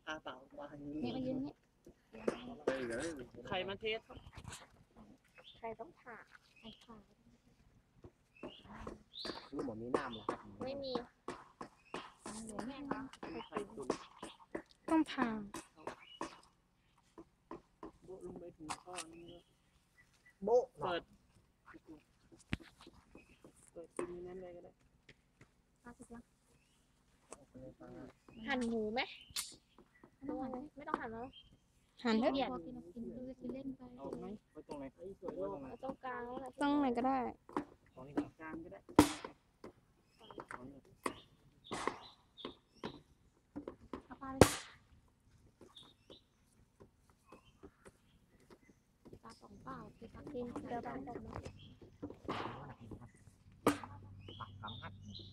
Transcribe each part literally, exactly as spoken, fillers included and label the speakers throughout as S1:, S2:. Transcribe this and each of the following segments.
S1: อาเปล่าวางอย่าง
S2: นี่
S1: นี้
S2: มายืนนี่
S1: ใครมาเทส
S2: ใครต้องผ่าใครผ่า
S3: คือหมอมีน้ำเหรอครับ
S2: ไม่มีแม่คะ
S1: ใครตุน
S4: ต้องผ่า
S1: โบะลงไปถึงข้อนี้
S3: โบ๊ะ
S1: เปิดเปิดกินนั้นเลยก็ได้
S2: หั่นหมูไหมไม่ต้องหั่นไม่ต้องหั่นแล้ว
S4: หันเถอะ
S2: เปลี่ยน
S1: เอาไหมไว้ตรงไหนไอ้สวยตรงไหน
S2: ตรงกลางแล้วแหละ
S4: ต้องไหนก็ได้
S1: ตรงนี้กลางก็ได้ตรงนี้
S2: เอาปลาปลาสองเปล่าคือปลากินเดี๋ยวปลาตกมา
S3: ปักคำฮัด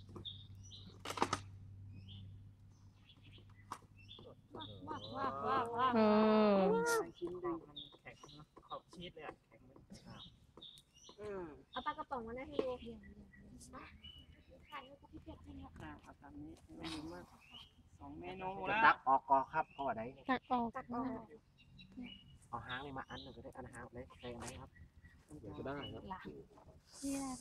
S2: ว้าวว้าวว้าวว้าว
S4: เออ
S1: ชิ้นดึงมันแข็งนะขอบชีสเลยอ่ะแข็งเลยอืม
S2: เอาปลากระป๋องมาได้ให้ดูถ่ายให้พี่เพชรให้เนี่ย
S1: อ่าเอาตามนี้ไม่ยุ่งมากสองเมนู
S3: จะ
S1: แล้ว
S3: ตักออกกอครับเพราะว่าไหน
S4: ตักออก
S2: ตักออก
S3: เอาหางเลยมาอันหนึ่งก็ได้อันหางเลยใส่ไหนครับเดี๋ยวก็ได้ครับ
S2: หลังนี่แหละ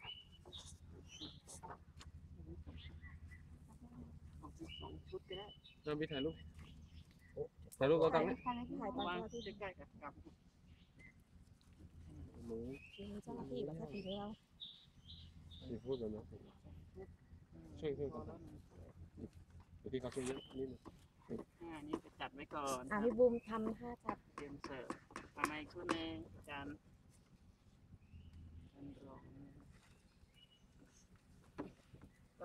S1: สองชุดก็ได้
S5: เราไปถ่ายรูปถ่ายรูปก็ต้องนะ
S2: ถ่ายถ่ายตอน
S1: วาง
S2: ที่
S1: ใกล้ๆกับกับ
S5: หมู
S2: เจ้าหน้าที่กับหน้าที่ของเรา
S5: ซีฟู้ดแบบนี้ช่วยช่วยกันเดี๋ยวพี่เขาช่วยเยอะนิดนึง
S1: อ่านี่จะจัดไว้ก่อน
S2: อ่ะพี่บูมทำท่าจับ
S1: เตรียมเสิร์ฟทำไมชุดนึงจานจานรองก็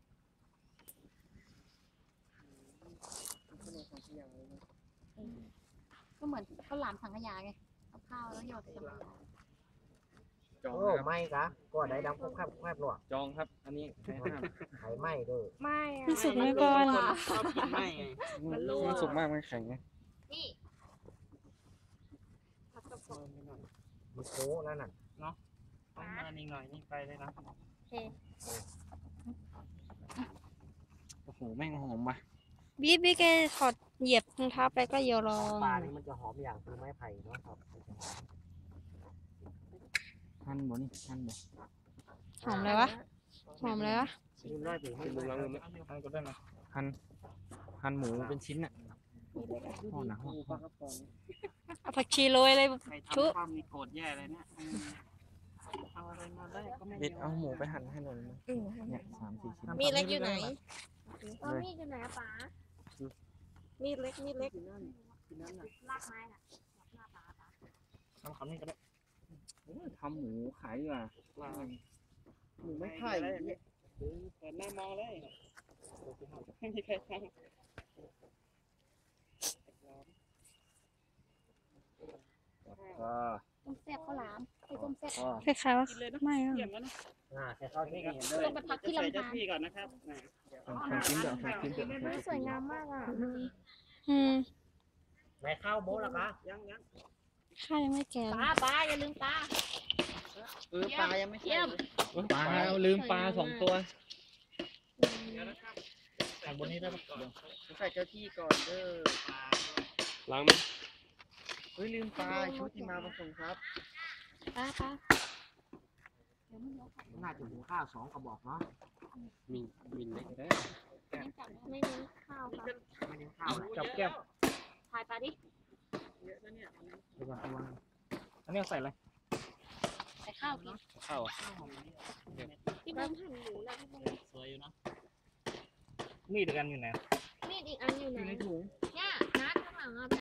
S1: ข้าวเหนียวของขยะเลย
S2: ก็เหมือนข้าวหลามสังขยาไงเอาข้าวแล้วหยอดสังขยา
S5: จอง
S3: โอ้
S5: นะครับ
S3: ไม่กะก็ได้ดำควบควบควบหรอ
S5: จองครับ อันนี้ใครห้าม
S3: ไข่ไหม้เด้อ
S2: ไม่อะ
S4: พี่สุกไว้ก่อน
S1: ชอบกินไหมไง
S5: มันสุกมากมันแข็งไง
S2: นี่ผัดกระเพาะ
S1: เพิ่มไปหน่อย
S3: มีโค้นั่นน่ะ
S1: ต้องมาอีกหน่อยนี่ไปเลยนะ
S2: โอเค
S5: โอ้โหแม่งหอมว่ะ
S4: บีบบี้แกถอดเหยียบรองเท้าไปก็เยอลอง
S3: ปลานี่มันจะหอมอย่างคือไม้ไผ่เนาะครับ
S5: หั่นบ่นี่หั่นบ่
S4: หอมเลยวะ หอมเลยวะ
S3: ดูได้ถึง
S5: เป็นลุงลังเลยหั่นก็ได้นะหั่นหั่นหมูเป็นชิ้นอ่ะห่อหนัก
S1: ปูปลากระป๋อง
S4: เอาผักชีโรยเลย
S1: ใคร
S4: ชุ
S1: ทำความมีโกรธแย่เลยเนี่ยเอาอะไรมาได้ก็ไม่
S5: เด็ดเอาหมูไปหั่นให้หน่อยนะเนี่ยสามสี่ชิ้น
S2: มีดเล็กอยู่ไหนเออมีดอยู่ไหนอะป๋ามีดเล็กมีดเล็ก
S1: กินนั่นกินนั่นน่ะ
S2: ลากไม้น่ะลากป๋าป๋า
S5: ทำคำนี้ก็ได้ทำหมูขายดีกว่า
S1: หมูไม่ไข่เนี่ยเปิดหน้ามองเลยไม่มีใครทำ
S5: ก็
S2: ต้มแซ่บข้าวหลามไอ้ต้มแซ่บ
S5: ก็
S4: คล้ายๆว่า
S1: กินเลยนะ
S4: ไม่อะ
S1: เยี่ยมแล้วนะ
S3: อ่าแค่เข้าที่นี่
S2: ต้องไปพักที่ลำธาร
S1: เจ้าที่ก่อนนะครับนะ
S5: ทำทำชิ้นเดียวทำชิ้นเดียว
S2: ไม่สวยงามมากอ่ะ
S4: อืม
S3: ไหนข้าวโบ๊ะล่ะคะ
S1: ยังยัง
S4: ข้ายังไม่แก่
S2: ปลาปลาอย่าลืมปลา
S1: เออปลายังไม่ใช่
S2: เยี่ยม
S5: ปลาลืมปลาสองตัว
S1: เดี๋ยวนะครับ
S5: ทางบนนี้ได้ปะ
S1: ใส่เจ้าที่ก่อนเด้อปลา
S5: ล้างไหม
S1: เฮ้ยลืมปลาชุดที่มาผสมครับ
S2: ปลาปลา
S3: น่าจะหุงข้าวสองกระบอกเนาะ
S5: มีมินเล็กได้
S2: ไม่เน้นข้าวค่ะ
S3: ไม่ได้ข้าวนะ
S5: จับแก้ว
S2: ถ่ายปลาดิ
S1: เยอะนะเนี่ย
S5: ระวังระวังอันนี้ใส่อะไร
S2: ใส่ข้าวกิน
S5: ข้าวอ่ะ
S1: ข้าวหอมเนี่ย
S2: พี่บูมหั่นหมูแล้วพี่บูม
S1: สวยอยู่นะ
S5: มีดกันอยู่ไหน
S2: มีดอีกอันอยู่ไหน
S1: อยู่ในถุง
S2: เนี่ยนัดข้างหลังอ่ะ